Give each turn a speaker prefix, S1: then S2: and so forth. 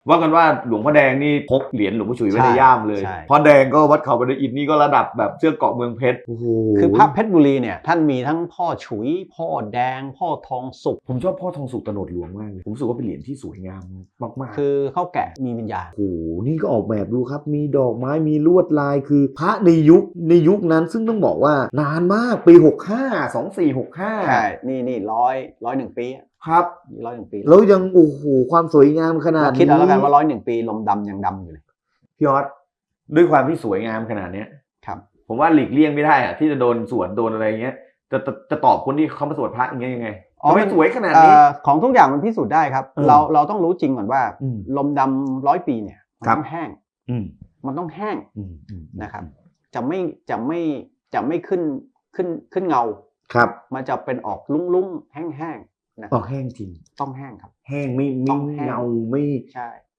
S1: ว่ากันว่าหลวงพ่อแดงนี่พกเหรียญหลวงพ่อฉุยไว้ในย่ามเลยพ่อแดงก็วัดเขาบันไดอินนี่ก็ระดับแบบเสื้อเกาะเมืองเพชรโอ้โห
S2: คือพระเพชรบุรีเนี่ยท่านมีทั้งพ่อฉุยพ่อแดงพ่อทองสุก
S1: ผมชอบพ่อทองสุกตโนดหลวงมากเลยผมรู้สึกว่าเป็นเหรียญที่สวยงามมาก
S2: ๆคือเขาแกะมีวิญญาณ
S1: โอ้โหนี่ก็ออกแบบดูครับมีดอกไม้มีลวดลายคือพระในยุคนั้นซึ่งต้องบอกว่านานมากปี65 2465
S2: ใช่นี่101 ปี
S1: ครับ
S2: 101 ปี
S1: แล้วยังโอ้โหความสวยงามขนาดนี้
S2: คิดเอาแล้วกันว่า101 ปีลมดำยังดำอยู่เลย
S1: พี่ออสด้วยความที่สวยงามขนาดนี้
S2: ครับ
S1: ผมว่าหลีกเลี่ยงไม่ได้อะที่จะโดนสวนโดนอะไรเงี้ยจะตอบคนที่เขามาสวดพระอย่างเงี้ยยังไงไม่สวยขนาดนี้
S2: ของทุกอย่างมันพิสูจน์ได้ครับเราต้องรู้จริงก่อนว่าลมดำ100 ปีเนี่ยมันต้องแห้งมันต้องแห้งนะครับจะไม่ขึ้นเงา
S1: ครับ
S2: มันจะเป็นออกลุ้งๆแห้งๆนะ
S1: ออกแห้งจริง
S2: ต้องแห้งครับ
S1: แห้งไม่เงาไม่
S2: ใช่